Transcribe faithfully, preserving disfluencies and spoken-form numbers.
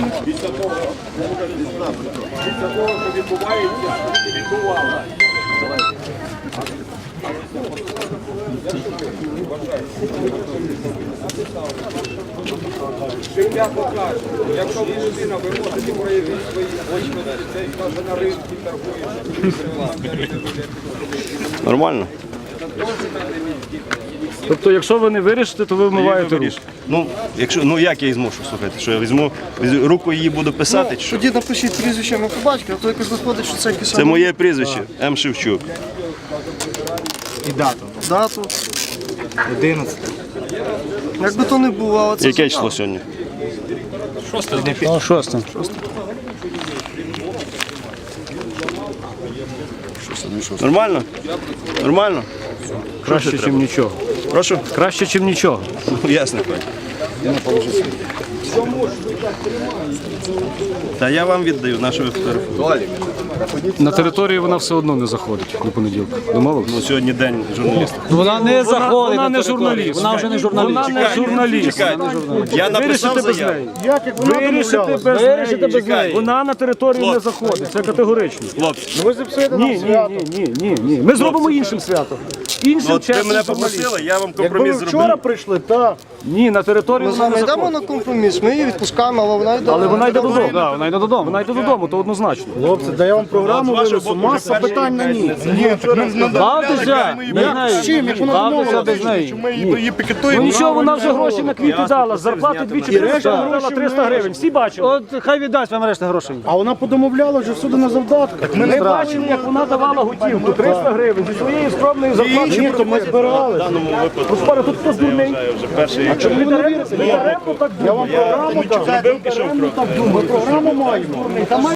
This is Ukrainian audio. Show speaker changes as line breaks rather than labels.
Після того, після того, що відбувається, відбувалося. Життя покаже. Якщо ви людина, ви можете проявити свої очі, це каже на ринку торгує.
Нормально?
Тобто, якщо ви не вирішите, то ви вмиваєте руки.
Ну, якщо, ну як я її змушу, слухайте, що я візьму, візьму руку її буду писати, чи що?
Тоді напишіть прізвище на побачки, а то якось виходить, що це якийсь...
Це моє прізвище, М. Шевчук.
І дату.
Дату.
одинадцяте.
Як би то не було, але це...
Яке число сьогодні?
Шосте.
Нормально? Нормально?
Краще, ніж нічого.
Прошу?
Краще, ніж нічого.
Ну, ясно. Та я вам віддаю, на що ви фотографуєте.
На територію вона все одно не заходить до понеділка. Домовились?
Ну, сьогодні день журналіста.
Вона не заходить.
Вона
на
не
територію.
журналіст.
Вона вже не журналіст.
Вона не журналіст.
Чекайте, я написав
Вирішите без
заяву.
неї.
Як, як вона
Вирішите
домовлялась?
без
Вирішите
неї.
без неї.
Вона на територію не заходить. Це категорично.
Хлопці,
Ви зіпсуєте
Ні,
нам
ні,
свято.
ні, ні, ні, ні. Ми зробимо іншим свято. Іншим
ну, от ви
чесним
мене
журналістам.
попросили, я вам
Якби
компроміс
ви вчора
зробив.
прийшли, так.
Ні, на територію
Ми з
вона
вами
не
йдемо
заходить.
на компроміс, ми її відпускаємо, але вона йде.
Але вона йде додому.
Да, вона йде додому.
Вона йде додому, то однозначно.
Хлопці, да я вам програму
З вашого
винесу,
боку
маса
вже перший
питань на ній.
Бавтеся без неї.
З чим, як вона
Бавтеся
домовилася,
без неї.
що ми її
Ну
пікетуємо?
нічого, вона вже гроші на квіти дала, з зарплати двічі дала триста гривень. Всі бачили.
От хай віддасть вам решта грошей.
А вона подомовляла вже всюди на завдатках.
Ми бачили, як вона давала готівку, триста гривень зі своєї скромної зарплати.
Ні, то ми збирали.
В даному випадку,
Господи, тут хтось дурний.
я вже перший.
Не даремно так
Я вам програму дав.
Зробив, пішов крок.
Ми програму маємо.